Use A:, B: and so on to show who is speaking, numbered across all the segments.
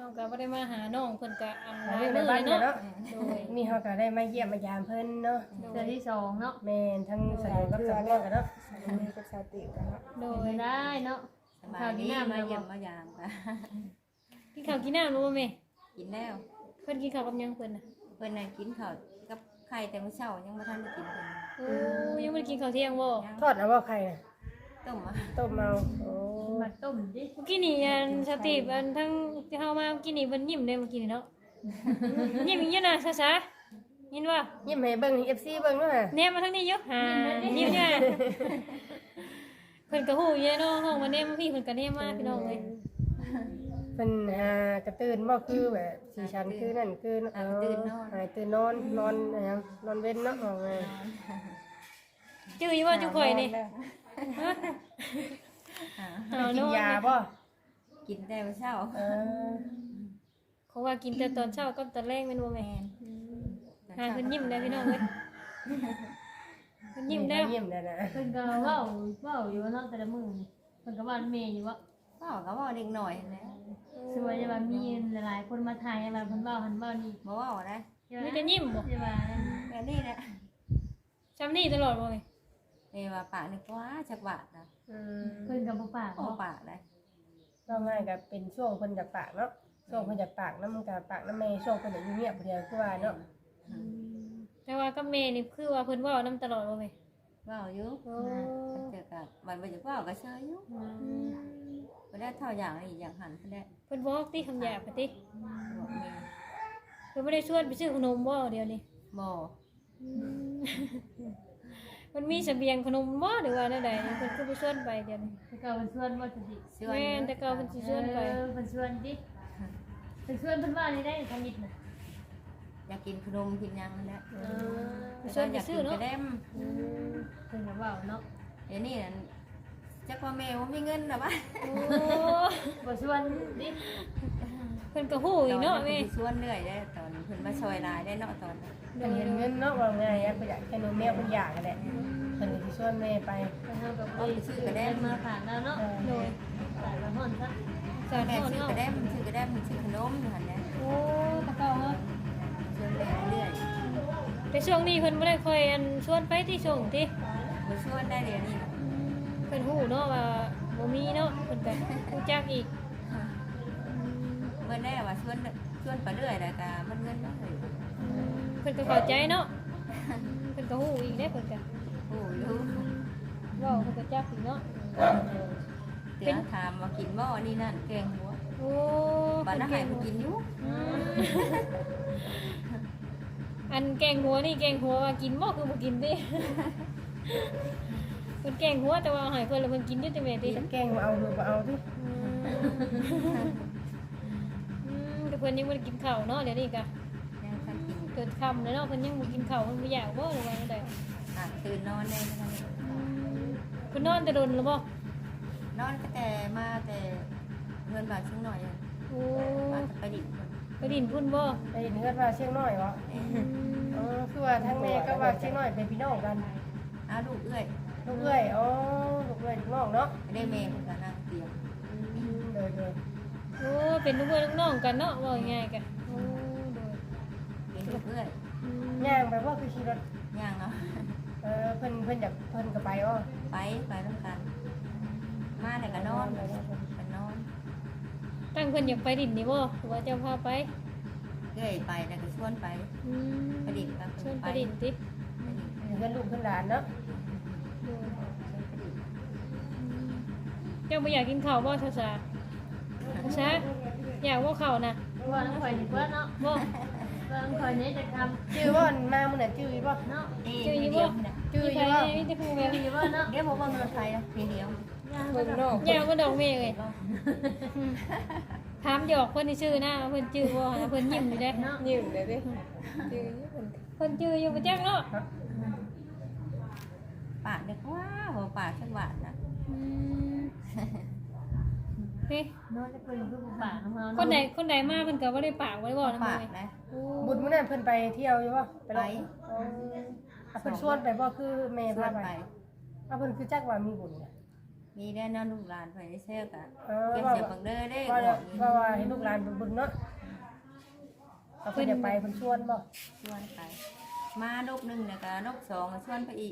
A: าก็บ่ได้มาหาน้องเพิ่นก็อันหลาย
B: ใน
A: มื้อ
B: บ้าน
A: เลยเนาะ
B: เนาะ
A: โดย
B: นี่เฮาก็ได้มาเยี่ยมมายามเพิ่นเนาะ
C: เทื่อที่2เนาะ
B: แม่นทั้งสะดวกกับสะดวกกันเนาะ
D: มีกับสติกันเนาะ
A: โด
C: ไป
A: ย
C: ได้เนาะ
E: สบายดีมาเยี่ยมมายามค่ะ
A: กินข้าวกินน้ำรู้บ่แม่
E: กินแล้ว
A: เพิ่นกินข้าวกับหยังเพิ่นน่ะ
E: เพิ่นน่ะกินข้าวกับไข่แต่มื้อเช้ายังบ่ทันได้กินเพิ่น
A: โอ้ยังบ่ได้กินข้าวเที่ยงบ่
B: ทอดเอาบ่ไข่น่ะ
E: ต้มอ่ะ
B: ต้มเอาโอ้
C: มาต้มดิ
A: เมื่อกี้นี่อันสติอันทั้งที่เฮามาเมื่อกี้นี่เพิ่นยิ้มเด้เมื่อกี้นี่เนาะยิ้มอีหยังน่ะซะๆยินว่า
B: ยิ้มให้เบิ่ง FC เบิ่งเนาะ
A: แนมมาทางนี้อยู่ยิ้มเนี่ยเพิ่นก็ฮู้อยู่เนาะห้องมาแนมพี่เพิ่นก็แนมมาพี่น้องเอ้ย
B: เพิ่นกระตื่นบ่คือแบบสีชันคือนั่นคือหายตื่นนอนนอนอะไรหยังนอนเว้นเนาะเอาไง
A: จื้ออยู่ว่าจุข่อยนี่ฮะ
E: อ่า
B: กินยาบ่
E: กินแต่มื้อเช้า
B: เออ
A: เขาว่ากินแต่ตอนเช้ากับตอนแรกแม่นบ่แม่หาเพิ่นยิ้มได้พี่น้องเอ้ยเพิ่นยิ้มได้
B: ยิ้มได้นะ
C: เพิ่นก็เว้าอยู่เนาะแต่ละมื้อนี่เพิ่นก็ว่าแม่อยู่ว่า
E: เว้าก็เว้าเด็กน้อยนั่นแหละ
C: สวยจะว่ามีหลายๆคนมาถ่ายว่าเพิ่นเว้าหันเว้านี่
E: บ่เว้าได้
A: มีแต่ยิ้มบ่
C: จะว่า
E: แบบนี้แหละ
A: จำนี่ตลอดบ่แม่
E: เอ้ว่าปากนึกว่าจักบาทนะ
C: เพิ่นก็บ่ปาก
E: โอ้
C: เนาะ
E: ปากได้
B: ก็ง่ายก็เป็นช่วงเพิ่นจากปากเนาะช่วงเพิ่นจากปากน้ำมันกับปากน้ำแม่ช่วงเพิ่นจะเงียบเดียวคือว่าเนาะ
A: แต่ว่ากับแม่นี่คือว่าเพิ่นเว้านำตลอดบ่แม่
E: เว้าอยู่
A: โอ้
E: เจอกับมันบ่จะเว้าก็เชยอยู่บ่ได้เท่าอย่างอีกอย่างหันเพิ่นได้
A: เพิ่นบอกติคำหยาบปะติ
E: บอกแม่
A: เพิ่นบ่ได้ชวนไปซื้อขนมบ่เดี๋ยวนี้
E: บ่
A: มันมีเสบียงขนมบ่หรือว่าแนวใดเพิ่นคือไปชวนไปเดี๋ยวนี้
C: แต่ก็เพิ่นชวนว่าจะดิ
E: ชวน
A: แม่นแต่เก่าเพิ่นสิชวนไป
C: เพิ่นชวนดิเพิ่นชวนเพิ่นว่านี่ได้ทำนิดน่ะ
E: อยากกินขนมกินหยังนั่นแหละ
A: ชวนไปซื้อเนาะ
E: กระเด้ม
C: เพิ่นก็เว้าเนาะ
E: เดี๋ยวนี้นั่นจักว่าแม่บ่มีเงินน่ะวะ
A: โอ้
C: บ่ชวนดิ
A: เพิ่นก็ฮู้อีกเนาะแม่
E: ตอชวนเรื่อยได้ตอนเพิ่นมาซอยหลายได้เนาะตอนนั้น
B: เพิ่นเห็นเงินเนาะว่าง่ายอ่ะเพิ่นอยากให้นมแมวเพิ่นอยากกันแหละเพิ่นสิชวนแม่ไป
C: เพิ่นเฮาก็บ่ได้ซื้อกระแดมมาฝากแล้วเนาะ
A: โดย
C: ฝากละฮ้อนซะ
A: สาร
E: แม่
A: พ่อ
E: ซื้อ
A: เนาะ
E: กระเด้มซื้อกระเด้มซื้อขนมอยู่หั่นแหละ
A: โอ้ตะเก่าเนาะ
E: ชวนแม่เรื่อย
A: แต่ช่วงนี้เพิ่นบ่ได้ค่อยอันชวนไปที่ช่วงติ
E: บ่ชวนได้เดี๋ยวนี้น่ะ
A: เพิ่นฮู้เนาะว่าบ่มีเนาะเพิ่นก็ฮู้จักอีก
E: เมื่อแน่ว่าชวนไปเรื่อยแล้วก็มันเงินบ่เลย
A: เพิ่นก็เข้าใจเนาะเพิ่นก็ฮู้อีกเด้เพิ่นก็
E: โอ้อยู่
A: เว้าเพิ่นก็จักอีกเนาะ
E: เดี๋ยวถามว่ากินบ่นี่นั่นแกงหัว
A: โอ้
E: บ้านน่ะให้เพิ่นกินอยู่
A: อืมอันแกงหัวนี่แกงหัวว่ากินบ่คือบ่กินติเพิ่นแกงหัวแต่ว่าเอาให้เพิ่นแล้วเพิ่นกินอยู่ติแม่ติ
B: จะแกล้งมาเอาหรือบ่เอาดิ
A: แต่เพิ่นยังบ่ได้กินข้าวเนาะเดี๋ยวนี้ก็
E: ยังทันกิน
A: เกิดค่ำแล้วเนาะเพิ่นยังบ่กินข้าวเพิ่นบ่อยากบ่หรือว่าจังได๋
E: ตื่นนอนได้เท่านั้น
A: เพิ่นนอนแต่ดนแล้วบ่
E: นอนก็แต่มาแต่เงินบาทช่วงหน่อยอะ
A: โอ้
E: มาแต่ไปดิบ
A: ไปดินพุ่นบ่
B: ไปเห็นเฮือดว่าเชียงน้อยวะคือว่าทั้งแม่ก็ว่าเชียงน้อยเป็นพี่น้องกัน
E: อ้าวลูกเอ้ย
B: ลูกเอ้ยอ๋อลูกเอ้ยลูกน้องเนาะ
E: ไม่ได้แม่คนกันนั่งเตียง
B: เลย
A: โอ้เป็นลูกเอ้ยลูกน้องกันเนาะว่าง่ายๆกันโอ้โดย
E: เป็นลูกเอ้ย
B: ย่างไปว่าคือขี่รถ
E: ย่างเนาะ
B: เพิ่นอยากเพิ่นก็ไปอ๋อ
E: ไปร่วมกัน มาแล้วก็นอนไปนอน
A: ตั้งเพิ่นอยากไปดินนี่บ่หรือว่าเจ้าพาไป
E: เอ้ยไปแล้วก็ชวนไป
A: อืม
E: ไปดินก็
A: ชวนไปดินติ
B: เพิ่นลูกเพิ่นหลานเนาะ
A: โดยเจ้าบ่อยากกินข้าวบ่ซะซะซะอยากบ่ข้าวน่ะ
C: ว่าน้องข่อยนี่เพิ่นเนาะ
A: บ่
C: ว่าน้องข่อยนี่จะทำ
B: ชื่อว่ามามื้อน่ะชื่อบ่
C: เนาะ
A: ชื่ออยู่
E: เดี
A: บ่
E: ยวนะ
B: ชื่อ
A: มี
B: อ
A: ใคร
B: ยู่บ่
A: มีแต่ผู้แม่
C: อยู่ว่าเนาะ
E: เดี๋ยวผมว่าเงินไทยนะทีเดียว
B: เพิ่นนอก
A: อยากมาดอกแม่เอ้ยถามหยอกเพิ่นนี่ชื่อนะเพิ่นชื่อบ่นะเพิ่นยิ้มอยู่เด้
C: เนาะ
D: ยิ้มเลยดิยืนอยู่เพิ่น
A: เพิ่นชื่ออยู่บ่จักเนาะ
E: ปากเด็กว่าหัวปากชักหวานนะ
A: อืมเฮ้ย
C: เนาะจะเป็นผู้ปากของเรา
A: คนใดมาเพิ่นก็บ่ได้ปากบ่ได้บอกนำ
E: ปาก
A: เลย
E: นะ
A: โอ้
B: บุญมื้อนั้นเพิ่นไปเที่ยวอยู่บ่
E: ไป
B: เพิ่นชวนไปบ่คือแม่
E: ชว
B: พาน ไป
E: ไป
B: เพิ่นคือจักว่ามีบุญน่ะ
E: มีได้นอนลูกหลานไปได้แซ่กะ
B: เออ
E: เก็บ
B: ว่า
E: เสียบังเด้อได้
B: ว่า
E: บอกอยู่
B: ว่าให้ลูกหลานเบิ่งเนาะเขาเพิ่นจะไปเพิ่นชวนบ่
E: ชวนไปมาลูกหนึ่งแล้วก็ลูกสองก็ชวนไปอีก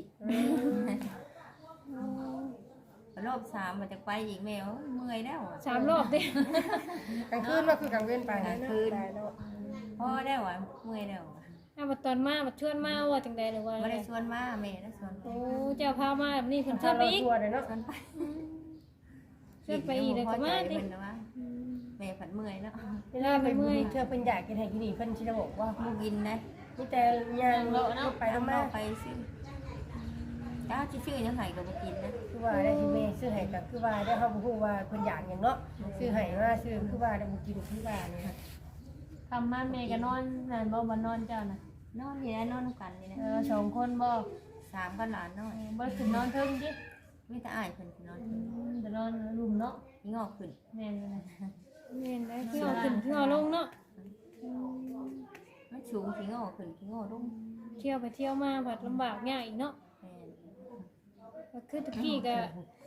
E: รอบสามมันจะไปอีกแมวเมื่อยแล้วอะ
A: 3 รอบติ
B: กลางคืนว่าคือกลางเว้นไป
E: กลางคืน
D: ตายแล้ว
E: พ่อได้วะเมื่อยแล้วอะ
A: บัดตอนมาบัดชวนมาว่าจังได๋หรือว่า
E: ไม่ได้ชวนมาแม่ได้ชวนไป
A: โอ้เจ้าพามาแบบนี้เพิ่นชวนไปอีก
B: ทัวร์เลยเนาะ
E: ชวนไป
A: ชวนไปอีกแล้วก็มาติ
E: เพิ่นนะว่าแม่ผัดเมื่อยแล้ว
B: เวลาไปเมื่อยเธอเพิ่นอยากกินให้กินนี่เพิ่นสิได้บอกว่า
E: มูกินนะ
B: มีแต่ย่างรถไปรถมา
E: ไปซื้อจ้าชื่อยังไงก็บ่กินนะ
B: คือว่าได้ที่แม่ซื้อให้ก็คือว่าได้เฮาบ่ฮู้ว่าเพิ่นอยากหยังเนาะซื้อให้มาซื้อคือว่าได้บ่กินคือว่านี่นะ
C: คำมาแม่ก็นอนนั่นบ่บ่นอนเจ้าน่ะ
E: นอนนี่นะนอนกันนี่นะ
C: 2 คนบ่
E: สามก็หลานน้อย
C: บ่ขึ้นนอนเทิงติ
E: มีแต่อ้ายเพิ่นนอน
C: จะนอนรุมเนาะ
E: งอกขึ้น
C: แม่นเลย
A: แม่นได้คือเอาขึ้นคือเอาลงเนาะ
E: มันสูงขี้งอกขึ้นขี้งอกลง
A: เที่ยวไปเที่ยวมาบัดลำบากยากอีกเนาะ
E: แม่น
A: ก็คือตะกี้ก็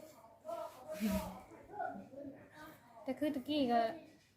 A: แต่คือตะกี้ก็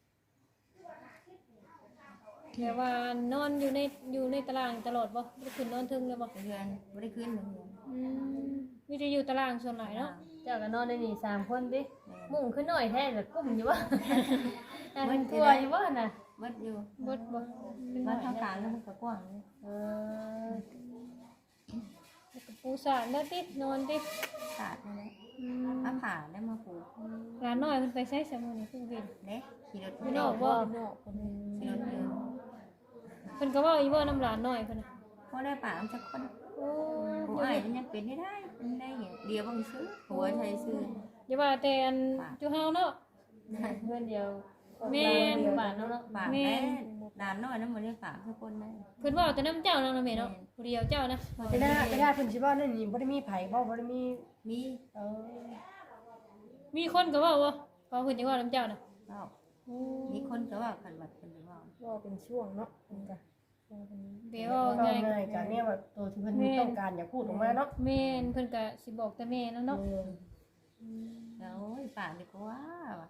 A: แบบว่านอนอยู่ในตารางตลอดบ่บ่ได้ขึ้นนอนเทึงเลยบ่
E: เพื่อนบ่ได้ขึ้นเลยเพื่อน
A: มีแต่อยู่ตารางส่วนหลายเนาะ
C: เจ้าก็นอนในนี่3คนติ
E: แม่น
C: มุ่งขึ้นหน่อยแท้แต่กุ้มอยู่บ่แต่มันกลัวอยู่บ่น่ะ
E: เบิดอยู่
A: บดบ่
E: บ้านทางกลางแล้วมันก็กว้างเลย
C: เออ
A: แล้วก็ปูสาดแล้วตินอนติ
E: สาดนี่แหละมาผ่าได้มาปลูก
A: หลานน้อยเพิ่นไปใช้สมุนนี่เพิ่นเห็น
E: เด้ขี่รถ
A: อยู่นอกบ่
D: นอกคนนี้
E: ขี่รถเดิน
A: เพิ่นก็เว้าอีบ่น้ำหลานน้อยเพิ่นน่ะ
E: พอได้ป่ามันจะคน
A: โอ้
E: ผู้อ้ายมันยังเป็นได้เป็นได้เนี่ยเดียวบางซื้อหัวใช้ซื้อ
A: อย่าว่าแต่อันจุเฮาเนาะ
C: เพื่อนเดียว
A: แม่น
C: บ้านเนาะ
E: ป่าแม่ด่านน้อยนั้นมันได้ป่าทุกคนได้
A: เพิ่นเว้าแต่น้ำเจ้านั่นน่ะแม่เนาะผู้เดียวเจ้านะ
B: ไปได้เพิ่นสิว่านั่นนี่บ่ได้มีไผบ่ได้มี
E: มี
B: เออ
A: มีคนก็เว้าว่าเพิ่นจะเว้าน้ำเจ้าน่ะ
E: ก็มีคนก็ว่าขันบัดเป็นว่า
D: ว่าเป็นช่วงเนาะมันก็ช่วงคนนี้
A: เดี๋ยว
B: ก็
A: เอา
B: ง่า
A: ง่าย
B: ยกันเนี่ยว่าตัวที่เพิ่นต้องการอยากพูดออกมาเนาะ
A: แม่นเพิ่นก็สิบอกแต่แม่แล้วเนาะ
E: แล้วป่าดีกว่า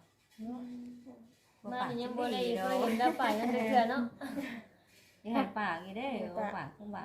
C: มายังบ่ได้เคยเห็นดาวป่ายังเถื่อเนาะ
E: ยังไงป่ากี่ได้ป่าขึ้นป่า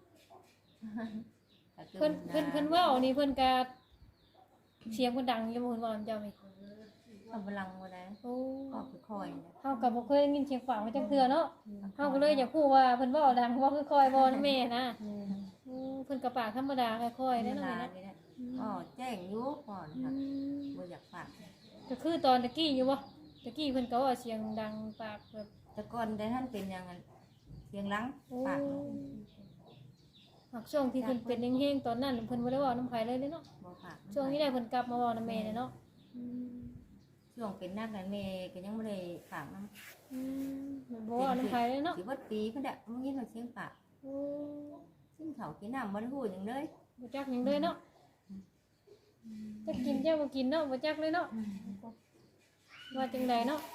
A: เพิ่นเว้านี่เพิ่นก็เสียงเพิ่นดังอยู่บ่เพิ่นเว้าน้ำเจ้านี่
E: กำลังวันนั้น
A: โอ้
E: ก็ค่อยๆ
A: เฮาก็บ่เคยได้ยินเสียงฝางมาจักเทื่อเนาะเฮาก็เลยอยากพูดว่าเพิ่นเว้าดังว่าคือคอยบ่นะแม่นะเพิ่นก็ปากธรรมดาค่อยๆ
E: เว
A: ได้เนาะ
E: ลา
A: แม่นะ
E: นี่แหละอ๋อแจ้งยุก่อนค่ะบ่อยากฝาก
A: ก็คือตอนตะกี้อยู่บ่ตะกี้เพิ่นก็ว่าเสียงดังปากแบบ
E: แต่ก่อนได้ท่านเป็นอย่างนั้นเสียงลัง
A: โอ้
E: ปาก
A: หักช่วงที่เพิ่นเป็นแห้งๆตอนนั้นเพิ่นบ่ได้เว้าน้ำไผเลยเนาะ
E: บ่ฝาก
A: ช่วงนี้ได้เพิ่นกลับมาเว้านำแม่เนาะ
E: ช่วงเป็นนักนั้นแม่ก็ยังบ่ได้ฝากนำ
A: บ่เว้าน้ำไผเลยเนาะ
E: สิบ่ปีเพิ่นน่ะมึงยินว่าเสียงปาก
A: โอ้
E: ซึ่งเขากินน้ำบ่ได้พูดหยังเลย
A: บ่จักหยังเลยเนาะจะกินเจ้าบ่กินเนาะบ่จักเลยเนาะว่าจังไดเนาะ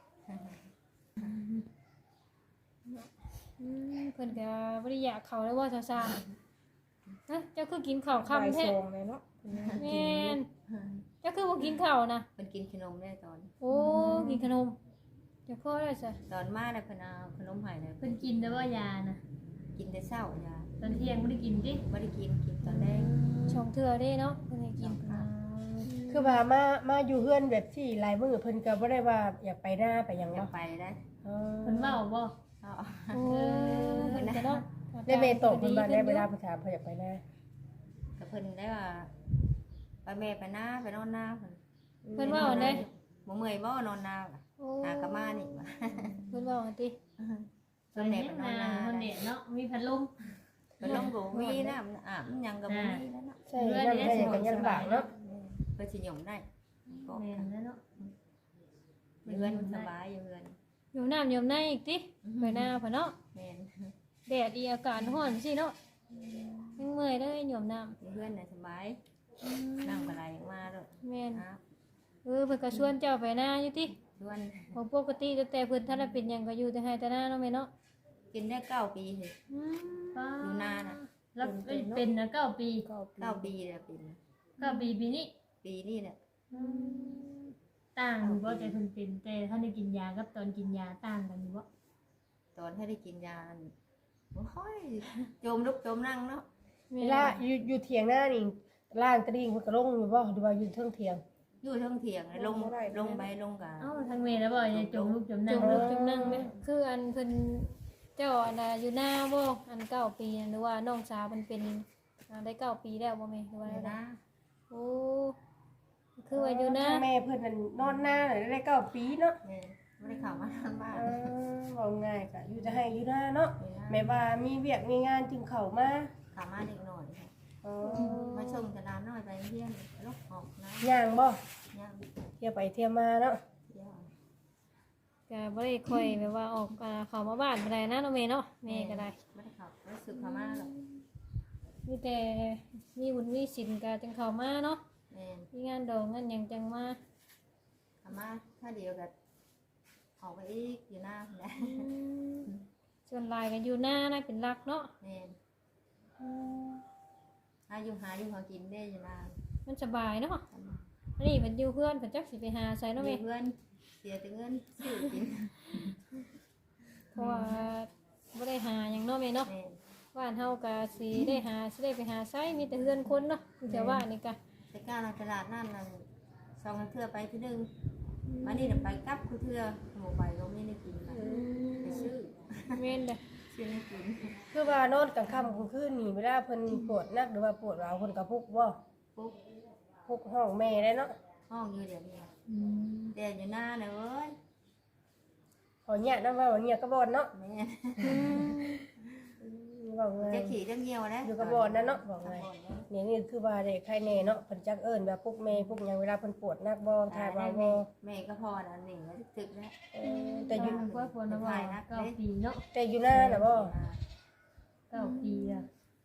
A: เพิ่นก็บ่ได้อยากเข้าเลยว่าซ่าๆนะเจ้าคือกินข้าว
D: บ่าย
A: ค่ำแท้
D: สองเลยเนาะ
A: แม่นเจ้าคือบ่กินข้าวนะ
E: เพิ่นกินขนมได้ตอน
A: โอ้กินขนมเดี๋ยวพ่อได้ซะ
E: ตอนมาแล้วเพิ่นเอาขนมให้เลย
C: เพิ่นกินแต่ว่ายาน่ะ
E: กินแต่เช้ายา
C: ตอนเที่ยงบ่ได้กินติ
E: บ่ได้กินตอนแรก
A: ชองเทื่อเด้เนาะเพิ่นให้กิน
B: คือว่ามาอยู่เฮือนแบบที่หลายมื้อเพิ่นก็บ่ได้ว่าอยากไปหน้าไปหยัง
E: อยา
B: บ่
E: กไปได้
B: เออ
C: เพิ่นเว้าบ่
E: เอา
A: โอ้เพิ่นก็เนาะ
B: ได้เมตกเพิ่นว่าได้เวลาเพิ่นถามเพิ่นอยากไปหน้า
E: กับเพิ่นได้ว่าไปแม่ไปหน้าไปนอนหน้าเพิ่น
A: เพิ่นว่าเอาได้
E: บ่เมื่อยบ่นอนหน้าล่ะ
A: โอ้
E: หากะมานี่ว่ะ
A: เพิ่นว่าเอาติ
E: เพิ่นแม่ไปนอนหน้า
C: เพิ่นเด็ดเนาะมีพัดลม
E: เพิ่นลงบ่มีน้ำอาบหยังก็บ่มีแล้วเนาะ
B: ใช่นั่นได้อย่างกันยันบากเนาะ
E: เพิ่นสิหยมได้ก็
C: แม่นแล้วเนาะ
E: เรือนมันสบายอยู่เรือน
A: อยู่น้ำอยู่ในอีกติไปหน้าเพิ่นเนาะ
E: แม่น
A: แดดอีอากาศร้อนสิเนาะยังเมื่อยเลยหย่อมน้ำ
E: เรือนน่ะสบายน้ำก็ไหลออกมาเด้อ
A: แม่น
E: ครับ
A: เพิ่นก็ชวนเจ้าไปหน้าอยู่ติ
E: ชวน
A: บ่ปกติแต่เพิ่นถ้าได้เป็นหยังก็อยู่แต่ให้แต่หน้าเนาะแม่เนาะ
E: กินได้9ปีเลย
A: อืม
E: อยู่นานน่ะ
C: แล้วเป็นนะ9 ปี
E: 9ปีแล้วเป็น
C: 9 ปีปีนี้
E: ปีนี้แหละ
A: อ
C: ต่างอยู่บ่แต่เพิ่นเป็นแต่ถ้าได้กินยากับตอนกินยาต่างกันอยู่บ่
E: ตอนให้ได้กินยาโอ้ยจมลุกจมนั่งเนาะ
B: เวลาอยู่เถียงหน้านี่ล่างตะดิ่งเพิ่นก็ลงอยู่บ่หรือว่าอยู่เทิงเถียง
E: อยู่เทั้งเถียงลงไปลงกะ
C: เอ้าทางเมย์แล้วบ่อย่าจมลูกจม
A: จ
C: นั่ง
A: มลุกจมนั่งไหมคืออันเพิ่นเจ้าอันน่ะอยู่หน้าบ่อัน9 ปีหรือว่าน้องสาวมันเป็นได้9 ปีแล้วบ่แม่หรือว่า
E: เดี๋ยว
A: ได้
E: นะ
A: โอ้คือว่าอยู่หน้า
B: แม่เพิ่นนั่นนอนหน้าได้9 ปีเนาะ
E: แม่ไม่ได้เข้ามาทางบ้าน
B: ว่าง่ายก็อยู่จะให้อยู่หน้าเนาะแม่ว่ามีเวียกมีงานจึงเข้ามา
E: เข้ามาเด็กหน่อย
B: อ๋อ
E: มาชมจะน้ำน้อยไปเที่ยงลูกออกนะ
B: ย่างบ่
E: ย่าง
B: เที่ยวไปเที่ยวมาเนาะ
E: ย่าง
A: ก็บ่ได้ค่อยแบบว่าออกเข้ามาบ้านบ่ได้นะน้องเมย์เนาะแม่ก็ได้
E: ไม่ได้เข้ารู้สึกเข้ามาหรอก
A: มีแต่มีบุญมีศีลก็จังเข้ามาเนาะ
E: แม่
A: มีงานดองงานหยังจังมา
E: เข้ามาถ้าเดียวกับออกไปอีกอยู่หน้าแหละ
A: ส่วนหลายก็อยู่หน้านะเป็นหลักเนาะ
E: แม่หาอยู่หากินได้อยู่หน้า
A: มันสบายเนาะอันนี้เพิ่นอยู่เพื่อนเพิ่นจักสิไปหาไสเนาะแม่
E: เพื่อนเสียแต่เงินซื้อกิน
A: เพราะว่าบ่ได้หาหยังเนาะแม่เนาะ
E: แม่
A: บ้านเฮาก็สิได้ไปหาไสมีแต่เฮือนคนเนาะแต่ว่านี่ก็
E: ไปก้าวในตลาดนั่นนั่นซองเทื่อไปที่นึงมานี่ไปกลับคือเทื่อหมูไปก็ไม่ได้กินนะไปซื้อ
A: แม่นเด้อ
E: ซื้อไม่กิน
B: คือว่านอนกลางค่ำกลางคืนนี่เวลาเพิ่นปวดนักหรือว่าปวดร้าวเพิ่นก็พุกบ่
E: ปุ๊บ
B: พุกห้องแม่ได้เนาะ
E: ห้องอยู่เดี๋ยวนี้เดี๋ยวอยู่หน้าเลยเว้ย
B: ขอเนี่ยนำว่าเนี่ยก็บ่เนาะ
E: แม่
B: ว่าไง
E: จะขี่จะเงี้ยวนะ
B: อยู่กับบ่นั่นเนาะว่าไงเนี่ยนี่คือว่าได้ใครแน่เนาะเพิ่นจักเอิ้นว่าพุกแม่พุกหยังเวลาเพิ่นปวดนักบ่ทายว่าบ่
E: แม่ก็พอนะหนึ่งแล้วตึกแล้ว
B: แต่อยู่
C: กว่าคนนะว่า9 ปีเนาะ
B: แต่อยู่หน้าน่ะบ่
C: 9 ปีอ่ะ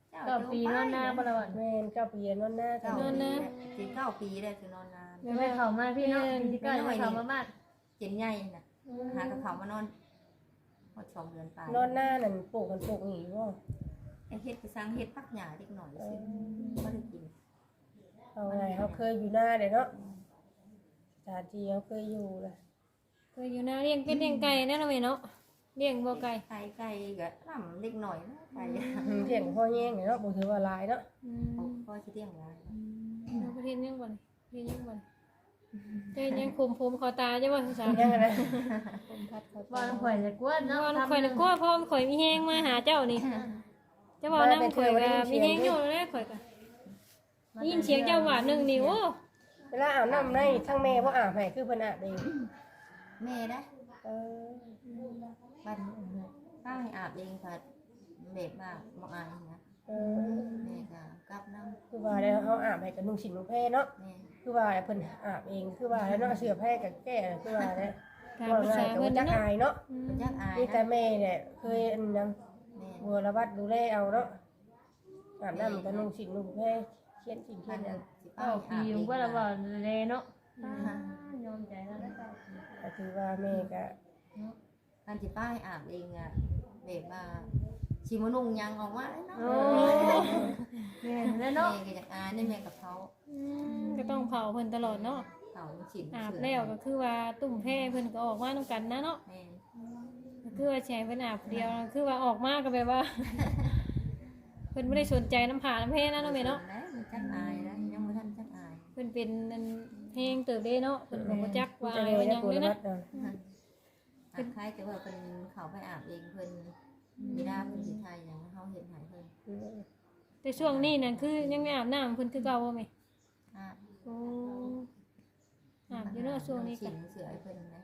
C: 9 ปีนอนหน้าบ่ล่ะว่า
B: แม่น9 ปีนอนหน้า
E: เก้าปีถึง9 ปีได้ถึงนอนนาน
C: ไม่เข้ามาพี่เนาะที่ก็เข้ามาบ้าน
E: เจ็นใหญ่น่ะหากระเขามานอนพอ2 เดือนไป
B: นอนหน้านั่นปลูกกันปลูกนี่บ่
E: ไอ้เฮ็ดไปสร้างเฮ็ดปักหญ้าเล็กหน่อยสิก็ได้กิน
B: เอาไงเฮาเคยอยู่หน้าเด้เนาะสถานที่เฮาเคยอยู่ล่ะ
A: เคยอยู่หน้าเลี้ยงเป็ดเลี้ยงไก่นะเนาะแม่เนาะเลี้ยงบ่ไก่
E: ไก่ก็ลำเล็กหน่อยนะไก่
B: เที่ยงพ่อแย่งเนาะบ่ถือว่าหลายเนาะ
E: พ่อสิเลี้ยงไว้
A: เราประเทศยังบ่นี่ประเทศยังบ่นี่เจ้ยังคุมผมคอตาจ้ะบ่สาว
B: ยังไงนะ
C: บ่ข่อยจะกวนเนาะ
A: ข่อยน่ะกลัวพ่อข่อยมีแฮงมาหาเจ้านี่จะบอกนำข่อยก็มีแฮงอยู่แล้วข่อยก็ยินเสียงเจ้าหวานนึงนี่โอ้
B: เวลาอาบน้ำในทั้งแม่บ่อาบให้คือเพิ่นอาบเอง
E: แม่นะ
B: เออ
E: บ้านป้าให้อาบเองค่ะแบบว่าบ่อายนะ
B: เออ
E: แม่ก็กลับน้ำ
B: คือว่าแล้วเฮาอาบให้กับนุ่งสินนุ่งแพรเนาะ
E: แม่
B: คือว่าเพิ่นอาบเองคือว่าแล้วเนาะเสื้อแพรกับแก้คือว่าแล้ว
A: ตาม
B: ว่า
A: ภา
B: ง่า
A: ษาย
B: ก็
A: เพิ่น
B: จัก
A: เนาะ
B: อายเนาะ
E: เป็นยักอาย
B: นี่แต่
E: นะ
B: แม่เนี่ยเคยอันนั้น
E: แม่
B: บัวระวัดดูแลเอาเนาะอาบน้ำกับนุ่งสินนุ่งแพรเขียนสิ่งเขี
E: บ้าย น
B: นอัน
E: สิป้า
C: 9
E: ให้
C: ปี
E: อาบเอง
C: ว่าละบ่แลเนาะยอมใจแล้ว
B: ก็คือว่าแม่ก็
E: การสิป้าให้อาบเองอ่ะแบบว่าชิมนุ่งยังออกมาเลยเนาะ
C: โอ้แม่แล้ว
E: แม่
C: เนาะ
E: ก็อยากอายนี่แม่กับเขา
A: ก็ต้องเผาเพิ่นตลอดเนาะ
E: เขาฉิน
A: อาบแล้วก็คือว่าตุ่มแพ้เพิ่นก็ออกมานํกันนะเนาะ
E: แม่
A: ก็คือว่าแชร์เพิ่นอาบเดียวคือว่าออกมาก็แบบว่า เพิ่นบ่ได้สนใจน้ำผาน้ำแพ้นะเนาะแม่เนาะ
E: มันจักอายนะยังบ่ทันจักอาย
A: เพิ่นเป็นอันแฮงเติบเด้เนาะเพิ่นก็บ่จักว่า
B: จะ
A: อะไร
B: เร็ว
A: ว่าห
B: จะ
A: ยัง
B: บัว
A: เลย
B: ระวั
A: นะ
B: ดเอา
E: อาบคล้ายแต่ว่าเป็นเขาไปอาบเองเพิ่นมีหน้าเพิ่นสิไทยอย่างเฮาเห็นหายเพิ่น
A: แต่ช่วงนี้นั่นคือยังไม่อาบน้ำเพิ่นคือเก่าบ่แม่
E: อาบ
A: โอ้อาบอยู่เนาะช่วงนี้
E: ฉิ
A: ก็
E: นเสือให้เพิ่นนะ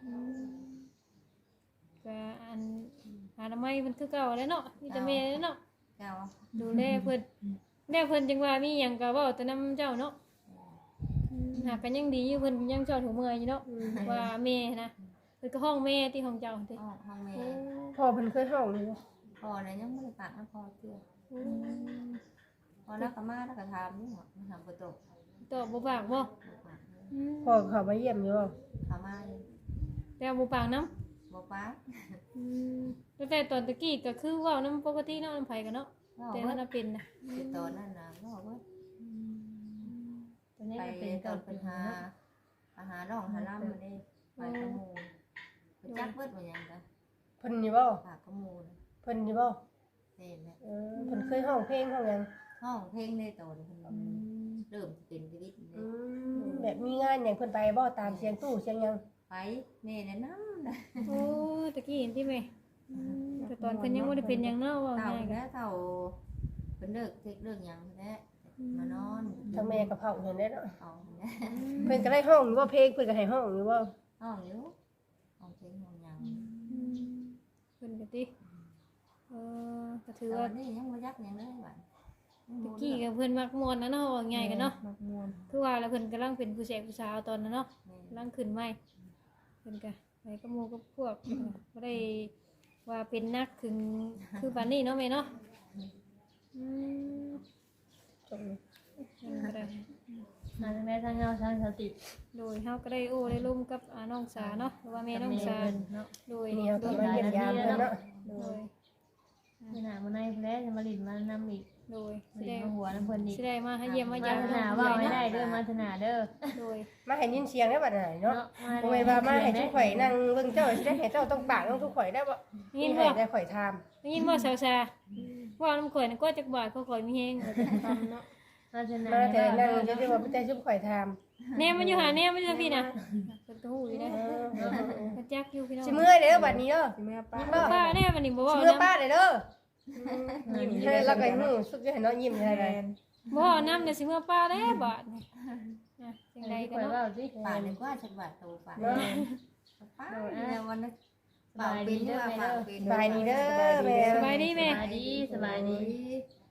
A: ก็อันอนามัยเพิ่นคือเก่าแล้วเนาะมีแต่แม่เนาะ
E: เจ้า
A: ดูแลเพิ่นแล้วเพิ่นจังว่ามีหยังก็เว้าแต่นำเจ้าเนาะหากกันยังดีอยู่เพิ่นยังเจ้าถูเมื่อยอยู่เนาะว่าแม่นะเพิ่นก็ห้องแม่ที่ของเจ้าติ
E: ห้องแม่
B: พ่อเพิ่นเคยห้องนี่บ่
E: พอนะยังไม่ได้ปากนะพอเชื่อพอแล้วก็มาแล้วก็ถามนี่หรอถามประตู
A: ตอบบ่ปากบ่
B: พ่อเขามาเยี่ยมอยู่บ่
E: ถามมา
A: แต่บ่ปากนำ
E: บอกป้า
A: แต่ตอนตะกี้ก็คือเว้านำปกติเนาะนำไผกันเนาะ
E: บอก
A: แต่
E: ว่า
A: ถ้าเป็นน่ะ
E: ตอนนั้นนะบอกว่า
C: ตอนนี้
E: ไป
C: เป็น
E: ตอน
C: 9
E: ปั
C: ปี
E: ญหา
C: เนาะ
E: อาหารน้องหาล่ำมาได้ไปกระมูไปจักเบิดมายังกัน
B: เพิ่นนี่บ่
E: ปากกระมูนะ
B: เพิ่นนี่บ่
E: เห็นไหม
B: เพิ่นเคยห้องเพลงห้องหยัง
E: ห้องเพลงในตอนคนเริ่มเป็นชีวิตเลย
B: แบบมีงานหยังเพิ่นไปบ่ตามเสียงตู้เสียงหยัง
E: ไปแม่แนะนำนะ
A: โอ้ตะกี้เห็นที่แม่แต่ตอนเพิ่นยังบ่ได้เป็นหยังเนาะว่า
E: เต่า
A: ง่ายก็
E: แค่เต่าเป็นเลิกเทคเรื่องยังแท้มานอน
B: ทั้งแม่กับเผาเห็นได้เนาะ
E: เอาแน่
B: เพิ่นก็ได้ห้องอยู่ว่าเพลงเพิ่นก็ให้ห้องอยู่ว่า
E: ห้องอยู่ห้องเพลงห้องยัง
A: เพิ่นก็ติก็ถือ
E: แต่
A: ว่า
E: วันนี้ยังไม่ยักยังเลยบ้าน
A: ตะกี้กับเพิ่นมักม่วนนะเนาะว่าง่ายกันเนาะ
D: มักม่วน
A: คือว่าแล้วเพิ่นกำลังเป็นผู้แสกผู้สาวตอนนั้นเนาะกำลังขึ้นใหม่เพิ่นก็ไปกับหมู่กับพวกบ่ได้ว่าเป็นนักถึงคือปานนี้เนาะแม่เนาะ
B: จบ
A: ก็ได้
C: มาทางใดทางเงาทางสติ
A: โดยเฮาก็ได้โอ้ได้ร่วมกับน้องสาเนาะหรือว่าแม่น้องสา
C: เนาะ
A: โดย
B: นี่เขาก็มาเยี่ยมยามเพิ่นเนาะ
A: โดย
C: ขนาดมื้อในเพิ่นจะมาลิ้นมานำอีก
A: โดย
C: มา
A: สิ
C: ลิ้
A: ได้
C: นมาหัวน้ำเพิ่นอีก
A: สิได้มาให้เยี่ยมมาาม
C: มายธนาว่าไม่ได้เด้อมาธนาเด้อ
A: โดย
B: มาให้ยินเสียงได้บัดไหนเนาะ
C: เนาะ
B: บ่แม่นว่ามาให้ทุกข่อยนั่งเบิ่งเจ้าสิได้ให้เจ้าต้องปากต้องทุกข่อยได้บ่
A: ยิน
B: ให้
A: บ่
B: ได้ข่อยถาม
A: ยินบ่สาวซาว่าน้ำข่อยน่ะก็จักบาทก็ข่อยมีแฮง
C: มาธนา
B: มาแต่นั่งจะได้ว่าแต่ชุบข่อยถาม
A: แน่มันอยู่หาแน่มันอยู่พี่น่ะเพิ่นก็ฮู้อยู่ได้ก็จักอยู่พี่น้อง
B: สิเมื่อยเด้อบัดนี้เด้อ
D: สิแม่ป้า
B: ยิ้มบ่
A: ป้าแน่มันนี่บ่
B: สิ
A: เว้า
B: เมื่อย
A: นำ
B: ป้าได้เด้อยิ้มให้แล้วก็หูสุดจะให้น้องยิ้มได้
D: แม
B: ได้
D: น
A: บ่เว้านำเดี๋ยวสิเมื่อป้าเด้บาทนี่จังไดก็
C: ข่อย
A: เนาะ
C: ว่าสิ
E: ป่าเลยว่าฉันว่าโตป่า
B: เนาะ
E: ป้าเนี่ยวันนั้นป่าเป็นว่าป่าเป็น
B: สบายดีเด้อแม่
A: สบายดีแม่
C: สบายดีสบายดี
E: โ